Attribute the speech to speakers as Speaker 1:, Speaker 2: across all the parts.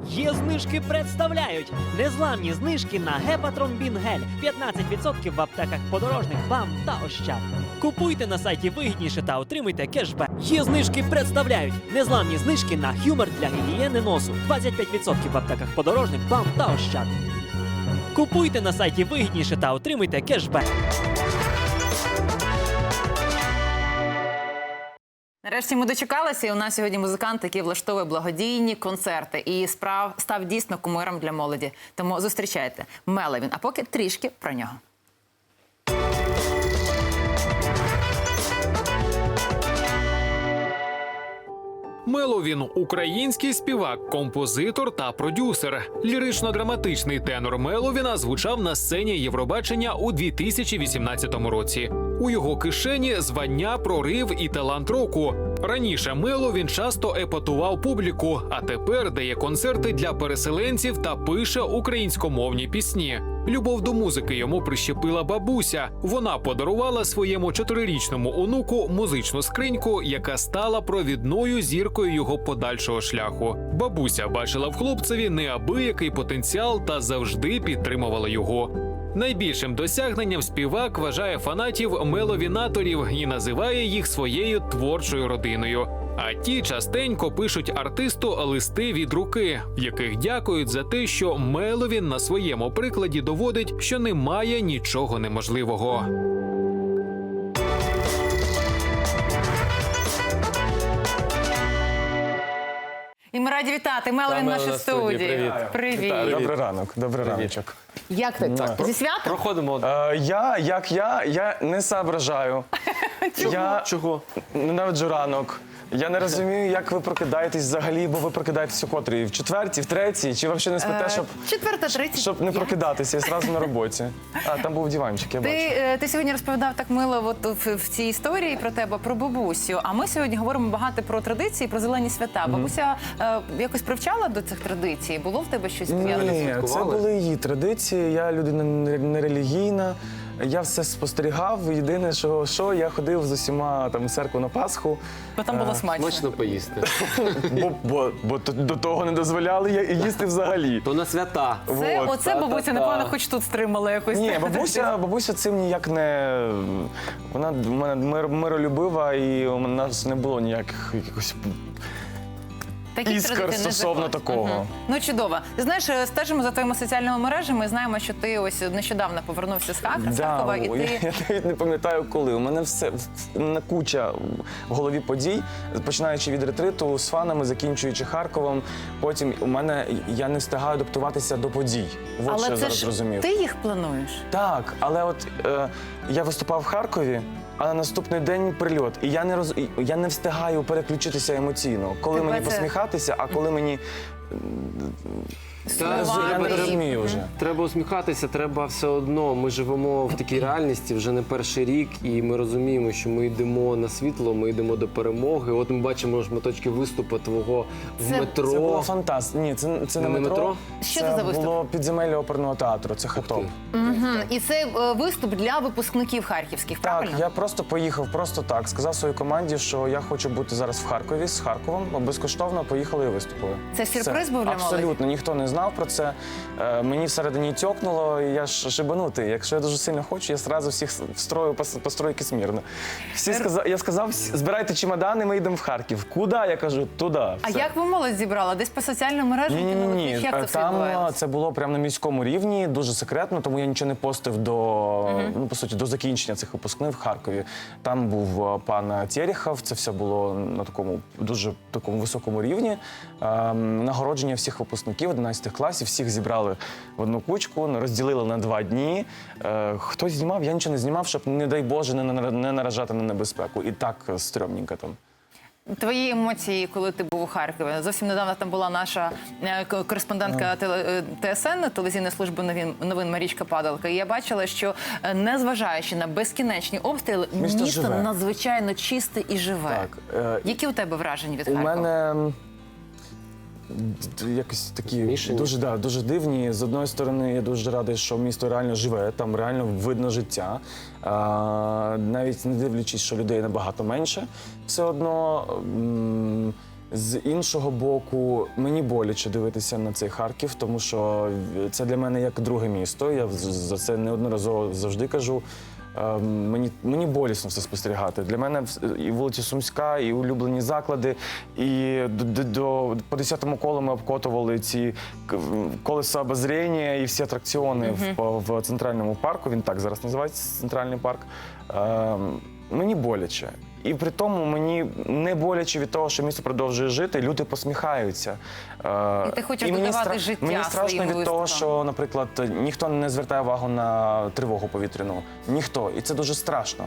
Speaker 1: Є знижки представляють незламні знижки на Гепатромбін гель 15% в аптеках подорожник, БАМ та Ощад. Купуйте на сайті вигідніше та отримуйте кешбек. Є знижки представляють незламні знижки на Хюмер для гігієни носу 25% в аптеках подорожник, БАМ та Ощад. Купуйте на сайті вигідніше та отримуйте кешбек.
Speaker 2: Нарешті ми дочекалися, і у нас сьогодні музикант, який влаштовує благодійні концерти і став дійсно кумиром для молоді. Тому зустрічайте. Меловін. А поки трішки про нього.
Speaker 3: Меловін – український співак, композитор та продюсер. Лірично-драматичний тенор Меловіна звучав на сцені Євробачення у 2018 році. У його кишені звання, прорив і талант року. Раніше Меловін часто епатував публіку, а тепер дає концерти для переселенців та пише українськомовні пісні. Любов до музики йому прищепила бабуся. Вона подарувала своєму 4-річному онуку музичну скриньку, яка стала провідною зіркою його подальшого шляху. Бабуся бачила в хлопцеві неабиякий потенціал та завжди підтримувала його. Найбільшим досягненням співак вважає фанатів меловінаторів і називає їх своєю творчою родиною. А ті частенько пишуть артисту листи від руки, в яких дякують за те, що Меловін на своєму прикладі доводить, що немає нічого неможливого.
Speaker 2: І ми раді вітати. Меловін в нашій студії. Привіт.
Speaker 4: Добрий ранок, добрий раночок.
Speaker 2: Як ти? Зі святом?
Speaker 5: Проходимо.
Speaker 4: Я не соображаю.
Speaker 5: Чого?
Speaker 4: Ненавиджу ранок. Я не розумію, як ви прокидаєтесь взагалі, бо ви прокидаєтесь у котрій? В четвертій, в третій? Чи взагалі не спите, щоб не прокидатися і зразу на роботі? А, там був диванчик, я бачу.
Speaker 2: Ти сьогодні розповідав так мило в цій історії про тебе, про бабусю. А ми сьогодні говоримо багато про традиції, про зелені свята. Бабуся якось привчала до цих традицій? Було в тебе щось пов'язане?
Speaker 4: Ні, це були її традиції. Я людина нерелігійна. Я все спостерігав. Єдине, що я ходив з усіма там в церкву на Пасху.
Speaker 2: Бо там було смачно.
Speaker 5: Смачно поїсти.
Speaker 4: Бо до того не дозволяли їсти взагалі.
Speaker 5: То на свята.
Speaker 2: Оце бабуся, напевно, хоч тут стримала якось.
Speaker 4: Ні, бабуся цим ніяк не... Вона в мене миролюбива, і у нас не було ніяких якихось іскор стосовно такого.
Speaker 2: Ну, чудово. Ти знаєш, стежимо за твоїми соціальними мережами, знаємо, що ти ось нещодавно повернувся з Харкова, і ти...
Speaker 4: Я навіть не пам'ятаю, коли. У мене все куча в голові подій, починаючи від ретриту з фанами, закінчуючи Харковом. Потім я не встигаю адаптуватися до подій.
Speaker 2: Але
Speaker 4: що я
Speaker 2: це
Speaker 4: зараз
Speaker 2: ж
Speaker 4: розумів.
Speaker 2: ти їх плануєш?
Speaker 4: Так, але от я виступав в Харкові, а на наступний день прильот. І я не встигаю переключитися емоційно. Коли мені посміхатися, а коли мені... Я не розумію вже.
Speaker 5: Треба усміхатися, треба все одно. Ми живемо в такій реальності вже не перший рік, і ми розуміємо, що ми йдемо на світло, ми йдемо до перемоги. От ми бачимо шматочки виступу твого в метро.
Speaker 4: Це було фантастично. Ні, це не метро.
Speaker 2: Що це за виступ?
Speaker 4: Це було підземелля оперного театру, це хатоп.
Speaker 2: І це виступ для випускників харківських, правильно?
Speaker 4: Так, я просто поїхав, просто так. Сказав своїй команді, що я хочу бути зараз в Харкові, з Харковом. Безкоштовно поїхали і виступили.
Speaker 2: Це сюрприз був для молоді?
Speaker 4: Абсолютно, ніхто не знав про це. Мені всередині тьокнуло, і я ж шибанутий. Якщо я дуже сильно хочу, я одразу всіх встрою по стройки смірно. Я сказав, збирайте чемодани, ми йдемо в Харків. Куди? Я кажу, туди.
Speaker 2: А як ви молодь зібрала? Десь по соціальним мережам?
Speaker 4: Ні.
Speaker 2: Як це все
Speaker 4: Там
Speaker 2: відбувається?
Speaker 4: це було прямо на міському рівні, дуже секретно, тому я нічого не постив по суті, до закінчення цих випускних в Харкові. Там був пан Терехов, це все було на дуже високому рівні. Нагородження всіх випускників 11 класів, всіх зібрали в одну кучку, розділили на 2 дні. Хтось знімав, я нічого не знімав, щоб, не дай Боже, не наражати на небезпеку. І так стрьомненько там.
Speaker 2: Твої емоції, коли ти був у Харкові? Зовсім недавно там була наша кореспондентка ТСН, телевізійної служби новин Марічка Падалка. І я бачила, що незважаючи на безкінечні обстріли, місто надзвичайно чисте і живе.
Speaker 4: Так.
Speaker 2: Які у тебе враження від Харкова?
Speaker 4: У мене якось такі дуже дивні. З одної сторони, я дуже радий, що місто реально живе, там реально видно життя. Навіть не дивлячись, що людей набагато менше, все одно З іншого боку, мені боляче дивитися на цей Харків, тому що це для мене як друге місто. Я за це неодноразово завжди кажу. Мені болісно все спостерігати. Для мене і вулиця Сумська, і улюблені заклади, і по 10-му колу ми обкотували ці колеса обозріння і всі атракціони в центральному парку. Він так зараз називається, центральний парк. Мені боляче. І при тому мені не боляче від того, що місто продовжує жити, люди посміхаються.
Speaker 2: І ти хочеш додавати життя
Speaker 4: Мені страшно
Speaker 2: своїм
Speaker 4: від того,
Speaker 2: виступам.
Speaker 4: що, наприклад, ніхто не звертає увагу на тривогу повітряну. Ніхто. І це дуже страшно.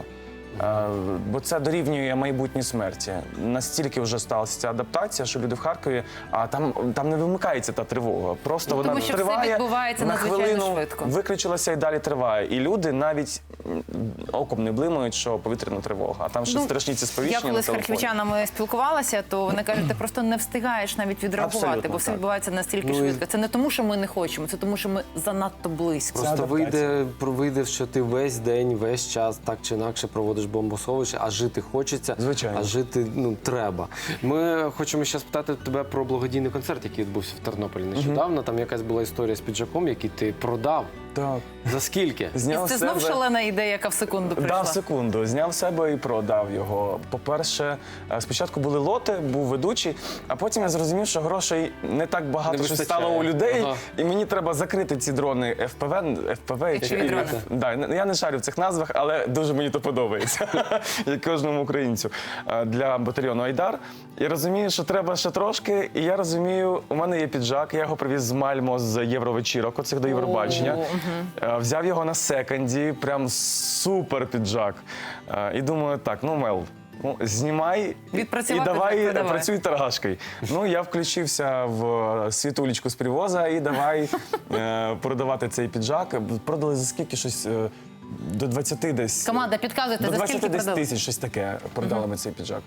Speaker 4: Бо це дорівнює майбутній смерті. Настільки вже сталася ця адаптація, що люди в Харкові, а там не вимикається та тривога. Просто
Speaker 2: Ну,
Speaker 4: вона
Speaker 2: тому що все
Speaker 4: триває,
Speaker 2: відбувається
Speaker 4: на
Speaker 2: надзвичайно
Speaker 4: хвилину
Speaker 2: швидко.
Speaker 4: виключилася і далі триває. І люди навіть оком не блимають, що повітряна тривога. А там ще страшні ці сповіщення
Speaker 2: Я коли
Speaker 4: на
Speaker 2: з
Speaker 4: телефоні.
Speaker 2: харківчанами спілкувалася, то вони кажуть, ти просто не встигаєш навіть відреагувати,
Speaker 4: Абсолютно
Speaker 2: бо все
Speaker 4: так.
Speaker 2: відбувається настільки
Speaker 5: Ну, і-
Speaker 2: швидко. Це не тому, що ми не хочемо, це тому, що ми занадто близько.
Speaker 5: Просто
Speaker 4: адаптація.
Speaker 5: вийде, що ти весь день, весь час так чи інакше проводиш бомбосховище, а жити хочеться,
Speaker 4: Звичайно.
Speaker 5: а жити треба. Ми хочемо ще спитати тебе про благодійний концерт, який відбувся в Тернополі нещодавно. Там якась була історія з піджаком, який ти продав.
Speaker 4: Так.
Speaker 5: За скільки?
Speaker 2: І
Speaker 4: Зняв
Speaker 2: це
Speaker 4: з
Speaker 2: знов
Speaker 4: себе-
Speaker 2: шалена ідея, яка в секунду прийшла.
Speaker 4: Дав секунду, зняв себе і продав його. По-перше, спочатку були лоти, був ведучий, а потім я зрозумів, що грошей не так багато
Speaker 5: Не
Speaker 4: що
Speaker 5: вистачає.
Speaker 4: стало у людей,
Speaker 5: Ага.
Speaker 4: і мені треба закрити ці дрони FPV.
Speaker 2: Речові дрони.
Speaker 4: Да, я не шарю в цих назвах, але дуже мені то подобається, як кожному українцю, для батальйону Айдар. Я розумію, що треба ще трошки, і я розумію, у мене є піджак, я його привіз з Мальмо, з Євровечірок, оцих до Євробачення. Взяв його на секонді, прям супер піджак. І думаю, так, Мел, знімай і
Speaker 2: Відпрацювати,
Speaker 4: давай
Speaker 2: продавай.
Speaker 4: працюй торгашкою. Я включився в світулечку з привоза і давай продавати цей піджак. Продали за скільки щось до 20 десь.
Speaker 2: Команда, підказуйте,
Speaker 4: До
Speaker 2: за
Speaker 4: 20
Speaker 2: скільки
Speaker 4: десь
Speaker 2: продали?
Speaker 4: тисяч, щось таке продали ми цей піджак.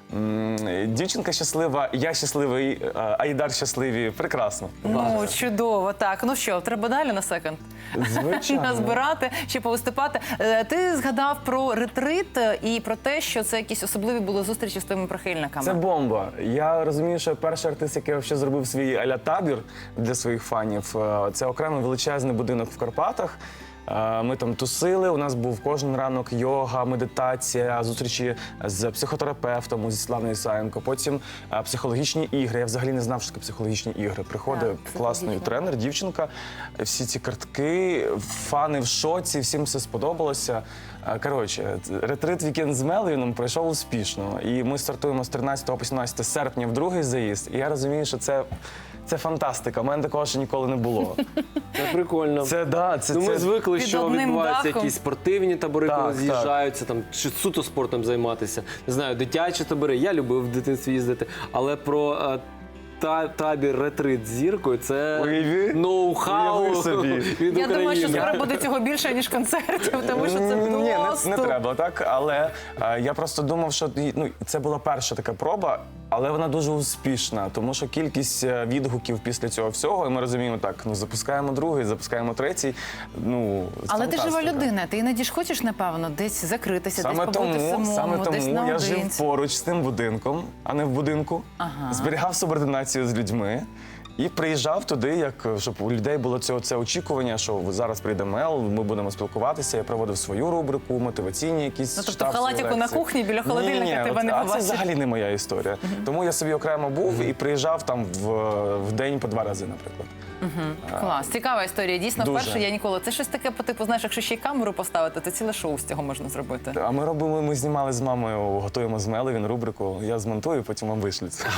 Speaker 4: Дівчинка щаслива, я щасливий, Айдар щасливі. Прекрасно.
Speaker 2: Ну, чудово, так. Ну що, треба далі на секонд?
Speaker 4: Звичайно.
Speaker 2: Назбирати чи повиступати. Ти згадав про ретрит і про те, що це якісь особливі були зустрічі з твоїми прихильниками.
Speaker 4: Це бомба. Я розумію, що перший артист, який ще зробив свій а-ля табір для своїх фанів, це окремий величезний будинок в Карпатах. Ми там тусили, у нас був кожен ранок йога, медитація, зустрічі з психотерапевтом, зі Славною Ісаєнко. Потім психологічні ігри. Я взагалі не знав, що таке психологічні ігри. Приходить
Speaker 2: Так,
Speaker 4: класний
Speaker 2: психологічні.
Speaker 4: тренер, дівчинка, всі ці картки, фани в шоці, всім все сподобалося. Коротше, ретрит «Вікенд з Мелвіном» пройшов успішно. І ми стартуємо з 13 по 17 серпня в другий заїзд. І я розумію, що це фантастика. У мене такого ще ніколи не було.
Speaker 5: Це прикольно. Ми звикли,
Speaker 2: Під
Speaker 5: що
Speaker 2: одним
Speaker 5: відбуваються
Speaker 2: дахом.
Speaker 5: якісь спортивні табори,
Speaker 4: Так,
Speaker 5: коли
Speaker 4: так.
Speaker 5: з'їжджаються, там чи суто спортом займатися. Не знаю, дитячі табори. Я любив в дитинстві їздити, але про табір ретрит з зіркою це
Speaker 4: Уяви.
Speaker 5: ноу-хау
Speaker 4: Уяви собі.
Speaker 5: від
Speaker 2: Я думаю, що
Speaker 5: України.
Speaker 2: скоро буде цього більше, ніж концертів, тому що це
Speaker 4: Ні,
Speaker 2: просто...
Speaker 4: не треба так. Але я просто думав, що це була перша така проба, але вона дуже успішна, тому що кількість відгуків після цього всього, і ми розуміємо, так, запускаємо другий, запускаємо третій.
Speaker 2: Але ти жива
Speaker 4: фантастика.
Speaker 2: людина, ти іноді ж хочеш, напевно, десь закритися, десь побути самому, десь
Speaker 4: Саме тому я жив
Speaker 2: наодинці.
Speaker 4: поруч з тим будинком, а не в будинку.
Speaker 2: Ага.
Speaker 4: Зберігав субординацію з людьми. І приїжджав туди, щоб у людей було це очікування, що зараз прийде Мел, ми будемо спілкуватися. Я проводив свою рубрику, мотиваційні якісь
Speaker 2: Ну, тобто
Speaker 4: штаб,
Speaker 2: в халатику
Speaker 4: лекції.
Speaker 2: на кухні біля холодильника
Speaker 4: Ні,
Speaker 2: тебе не
Speaker 4: а це
Speaker 2: побачиш.
Speaker 4: взагалі не моя історія. Тому я собі окремо був і приїжджав там в день по 2 рази, наприклад.
Speaker 2: Клас, цікава історія. Дійсно,
Speaker 4: Дуже.
Speaker 2: вперше я ніколи. Це щось таке по типу, знаєш, якщо ще й камеру поставити, то ціле шоу з цього можна зробити.
Speaker 4: А ми знімали з мамою, готуємо з Меловін рубрику. Я змонтую, потім вам вишлю це.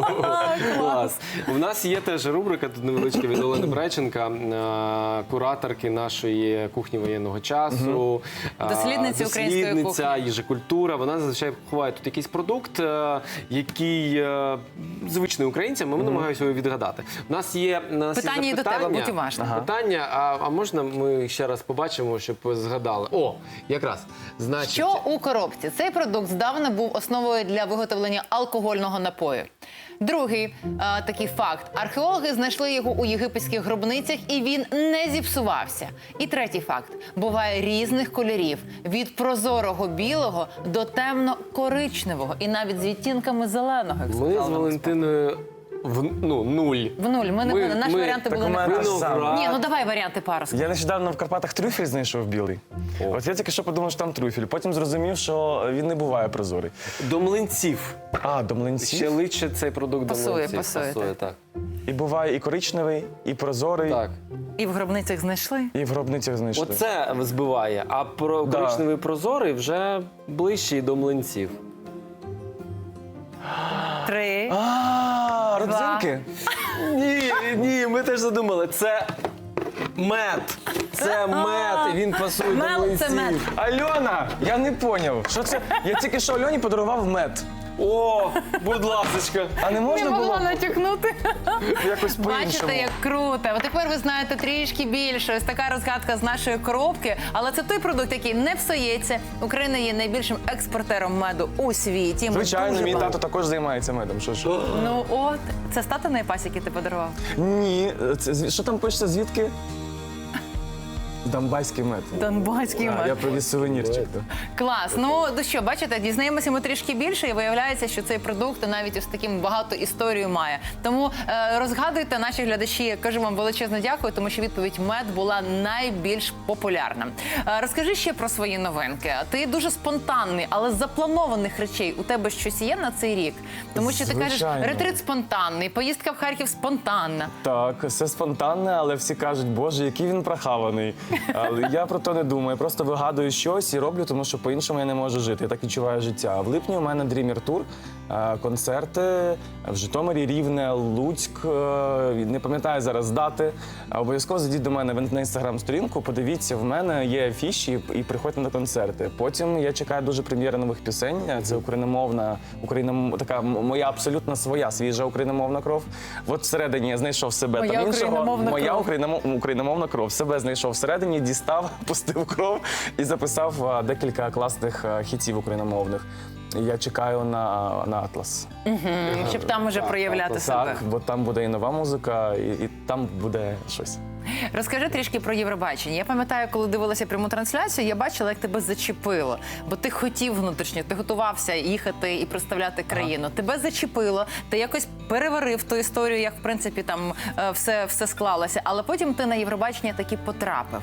Speaker 5: Клас. У нас є теж рубрика, тут невеличка від Олени Брайченка, кураторки нашої кухні воєнного часу.
Speaker 2: Дослідниці української
Speaker 5: дослідниця,
Speaker 2: кухні.
Speaker 5: їжекультура. Вона зазвичай ховає тут якийсь продукт, який звичний українцям, ми намагаємося його відгадати. У нас є
Speaker 2: Питання і до тебе, будь уважним.
Speaker 5: Питання, а можна ми ще раз побачимо, щоб ви згадали? О, якраз. Значить,
Speaker 2: Що у коробці? Цей продукт здавна був основою для виготовлення алкогольного напою. Другий такий факт. Археологи знайшли його у єгипетських гробницях, і він не зіпсувався. І третій факт. Буває різних кольорів. Від прозорого білого до темно-коричневого. І навіть з відтінками зеленого. як
Speaker 5: Ми
Speaker 2: сказала
Speaker 5: з
Speaker 2: нам
Speaker 5: Валентиною нуль.
Speaker 2: В нуль. Наші варіанти
Speaker 4: Так
Speaker 2: були
Speaker 4: у мене
Speaker 2: не
Speaker 4: те ж саме.
Speaker 2: Ні, ну давай варіанти пару.
Speaker 4: Я нещодавно в Карпатах трюфель знайшов білий. От я тільки що подумав, що там трюфель. Потім зрозумів, що він не буває прозорий.
Speaker 5: До млинців.
Speaker 4: А, до млинців.
Speaker 5: Ще личе цей продукт
Speaker 2: Пасує,
Speaker 5: до млинців.
Speaker 2: пасує,
Speaker 5: так.
Speaker 4: І буває і коричневий, і прозорий,
Speaker 5: Так.
Speaker 2: І в гробницях знайшли.
Speaker 4: і в гробницях знайшли.
Speaker 5: Оце збиває, а
Speaker 4: Да.
Speaker 5: коричневий прозорий вже ближчий до млинців.
Speaker 2: 3.
Speaker 4: А, родзинки?
Speaker 5: Ні, ми теж задумали. Це мед. Це мед, і він пасує до
Speaker 2: Мел це мед.
Speaker 5: млинців.
Speaker 4: Альона, я не поняв. Що це? Я тільки що Альоні подарував мед.
Speaker 5: О, будь ласочка.
Speaker 4: А не
Speaker 2: Не
Speaker 4: можна
Speaker 2: могла
Speaker 4: було
Speaker 2: натякнути.
Speaker 4: якось по-іншому?
Speaker 2: Бачите, як круто. От тепер ви знаєте трішки більше. Ось така розгадка з нашої коробки. Але це той продукт, який не псується. Україна є найбільшим експортером меду у світі. Ми
Speaker 4: Звичайно,
Speaker 2: дуже
Speaker 4: мій
Speaker 2: багато-
Speaker 4: тато також займається медом. Що?
Speaker 2: Ну от, це з татиної пасіки ти подарував?
Speaker 4: Ні, що там пишеться, звідки? Донбаський мед.
Speaker 2: Донбаський
Speaker 4: А,
Speaker 2: мед.
Speaker 4: я привіз сувенірчик.
Speaker 2: Клас. Ну що, бачите, дізнаємося ми трішки більше, і виявляється, що цей продукт навіть ось таким багато історію має. Тому розгадуйте, наші глядачі. Кажу вам величезне дякую, тому що відповідь мед була найбільш популярна. Розкажи ще про свої новинки. Ти дуже спонтанний, але з запланованих речей у тебе щось є на цей рік? Тому що ти кажеш,
Speaker 4: Звичайно.
Speaker 2: ретрит спонтанний, поїздка в Харків спонтанна.
Speaker 4: Так, все спонтанне, але всі кажуть, боже, який він прохаваний. Але я про то не думаю. Я просто вигадую щось і роблю, тому що по-іншому я не можу жити. Я так відчуваю життя. В липні у мене Dreamer Tour, концерти в Житомирі, Рівне, Луцьк. Не пам'ятаю зараз дати. Обов'язково зайдіть до мене на інстаграм-сторінку, подивіться, в мене є афіші і приходьте на концерти. Потім я чекаю дуже прем'єри нових пісень. Це україномовна, така моя абсолютно своя, свіжа україномовна кров. От всередині я знайшов себе
Speaker 2: Моя
Speaker 4: там іншого.
Speaker 2: україномовна
Speaker 4: Моя
Speaker 2: кров.
Speaker 4: україномовна кров. Себе знайшов всередині, дістав, пустив кров і записав декілька класних хітів україномовних. Я чекаю на Атлас.
Speaker 2: Щоб там уже проявляти себе.
Speaker 4: Так, бо там буде і нова музика, і там буде щось.
Speaker 2: Розкажи трішки про Євробачення. Я пам'ятаю, коли дивилася пряму трансляцію, я бачила, як тебе зачепило. Бо ти хотів внутрішньо, ти готувався їхати і представляти країну. Тебе зачепило, ти якось переварив ту історію, як в принципі там все склалося. Але потім ти на Євробачення таки потрапив.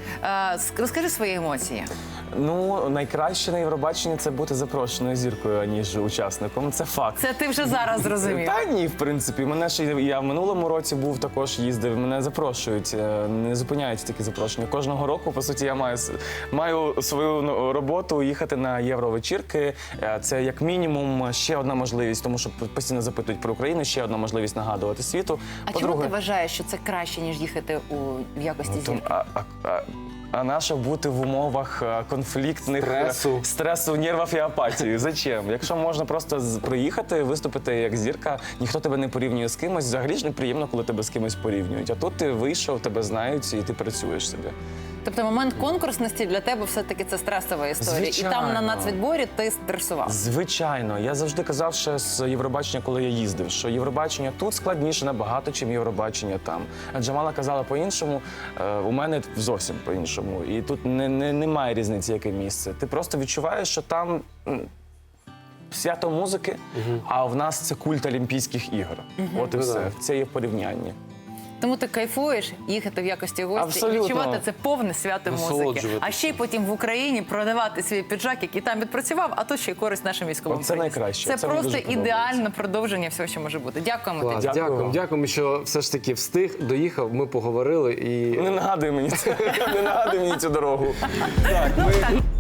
Speaker 2: Розкажи свої емоції.
Speaker 4: Ну, найкраще на Євробаченні це бути запрошеною зіркою, аніж учасником. Це факт.
Speaker 2: Це ти вже зараз зрозумів.
Speaker 4: Та ні, в принципі. Мене ще я в минулому році був, також їздив. Мене запрошують, не зупиняють такі запрошення. Кожного року, по суті, я маю свою роботу їхати на євровечірки. Це як мінімум ще одна можливість, тому що постійно запитують про Україну, ще одна можливість нагадувати світу.
Speaker 2: А чому ти вважаєш, що це краще, ніж їхати в якості зірки?
Speaker 4: А нащо бути в умовах конфліктних стресу, нервів і апатії? Зачем? Якщо можна просто приїхати, виступити як зірка, ніхто тебе не порівнює з кимось. Взагалі ж неприємно, коли тебе з кимось порівнюють. А тут ти вийшов, тебе знають і ти працюєш собі.
Speaker 2: Тобто момент конкурсності для тебе все-таки це стресова історія.
Speaker 4: Звичайно.
Speaker 2: І там на нацвідборі ти стресував.
Speaker 4: Звичайно. Я завжди казав ще з Євробачення, коли я їздив, що Євробачення тут складніше набагато, чим Євробачення там. А Джамала казала по-іншому, у мене зовсім по-іншому. І тут немає різниці, яке місце. Ти просто відчуваєш, що там свято музики, а в нас це культ Олімпійських ігор. От і все. Це є порівняння.
Speaker 2: Тому ти кайфуєш їхати в якості гості
Speaker 4: Абсолютно.
Speaker 2: і відчувати це повне свято музики.
Speaker 5: Насолоджуватися.
Speaker 2: А ще й потім в Україні продавати свій піджак, який там відпрацював, а тут ще й користь нашим військовим.
Speaker 4: Оце
Speaker 2: приніс.
Speaker 4: найкраще.
Speaker 2: Це
Speaker 4: Це мені
Speaker 2: просто
Speaker 4: дуже подобається.
Speaker 2: ідеальне продовження всього, що може бути. Дякуємо
Speaker 5: Клас,
Speaker 2: тобі.
Speaker 4: Дякую.
Speaker 5: дякуємо, що все ж таки встиг, доїхав, ми поговорили і
Speaker 4: Не нагадуй мені це. Не нагадуй мені цю дорогу.
Speaker 2: Ну, так.